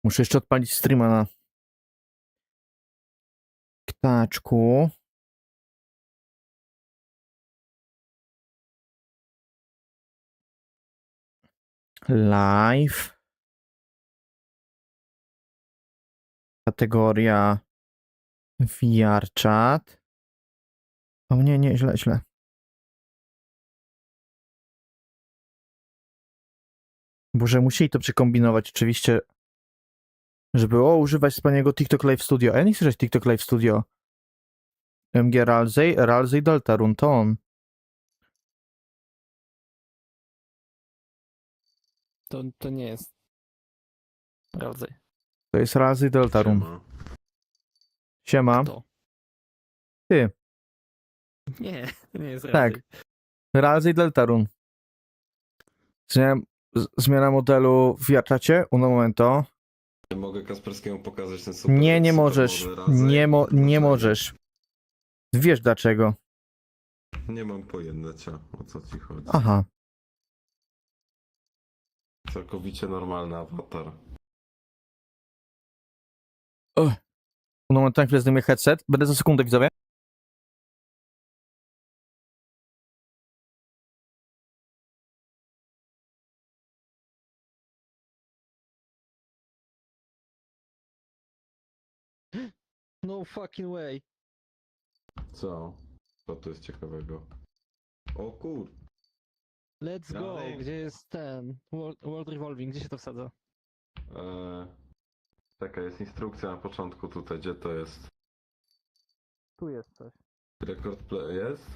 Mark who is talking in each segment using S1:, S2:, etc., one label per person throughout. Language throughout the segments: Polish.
S1: Muszę jeszcze odpalić streama na ptaczku. Live. Kategoria VR chat. O nie, źle. Boże, musieli to przekombinować oczywiście, żeby używać wspaniałego TikTok Live Studio. A ja nie chcę używać TikTok Live Studio. MG Ralsei Deltarune, to on.
S2: To nie jest Ralsei.
S1: To jest Ralsei Deltarune. Siema.
S2: Kto?
S1: Ty.
S2: Nie, to nie jest
S1: Tak.
S2: Ralsei.
S1: Ralsei Deltarune. Zmiana modelu w VR-czacie. Uno momento.
S3: Nie mogę Kasperskiemu pokazać ten super.
S1: Nie
S3: super
S1: możesz.
S3: model Ralsei.
S1: Nie możesz. Wiesz dlaczego.
S3: Nie mam pojęcia, o co ci chodzi.
S1: Aha.
S3: Całkowicie normalny awatar.
S1: Uno momento, na chwilę zdejmuję headset. Będę za sekundę, widzowie.
S2: No fucking way.
S3: Co? Co tu jest ciekawego? O kur...
S2: Let's go.
S3: Dalej.
S2: Gdzie jest ten? World Revolving, gdzie się to wsadza?
S3: Czekaj, jest instrukcja na początku tutaj, gdzie to jest?
S2: Tu jest coś.
S3: Record play jest?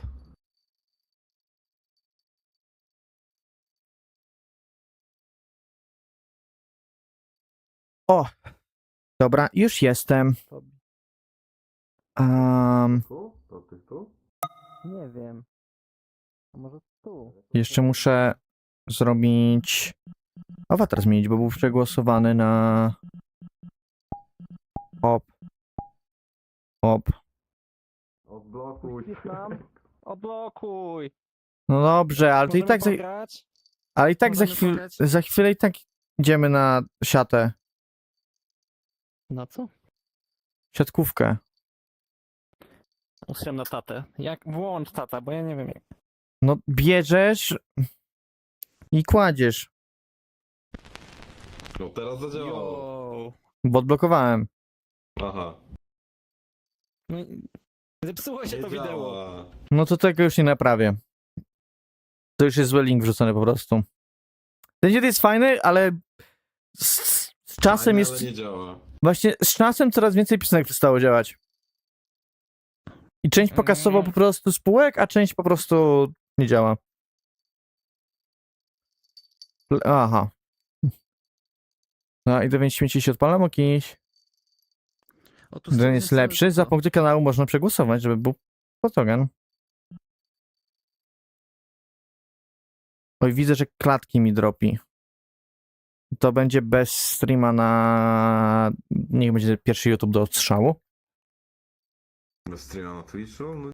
S1: O! Dobra, już jestem.
S3: Tu? To ty tu?
S2: Nie wiem. A może tu?
S1: Jeszcze muszę zrobić... Awatar zmienić, bo był przegłosowany na... Hop.
S3: Odblokuj.
S2: Wpisz nam? Odblokuj!
S1: No dobrze, ale to i
S2: Możemy
S1: tak,
S2: pograć? Możemy pograć?
S1: za chwilę i tak idziemy na siatę.
S2: Na co?
S1: Siatkówkę.
S2: Ustawiam na tatę. Jak? Włącz tata, bo ja nie wiem jak.
S1: No bierzesz i kładziesz,
S3: No teraz zadziałało.
S2: Yo.
S1: bo odblokowałem.
S3: Aha.
S2: No i zepsuło się
S3: Nie
S2: to wideo.
S3: działa.
S1: No to tego już nie naprawię. To już jest zły link wrzucony po prostu. Ten dzień jest fajny, ale z czasem
S3: Fajne,
S1: jest...
S3: ale nie działa.
S1: Właśnie z czasem coraz więcej piosenek przestało działać. I część pokasował po prostu spółek, a część po prostu nie działa. Aha. No i do więc śmieci się odpalam jakiś.
S2: O, tu
S1: Ten jest
S2: stoi
S1: lepszy. Za
S2: cały
S1: punkty kanału można przegłosować, żeby był fotogen. Oj, widzę, że klatki mi dropi. To będzie bez streama na... Niech będzie pierwszy YouTube do odstrzału.
S3: Bez streama na Twitchu? No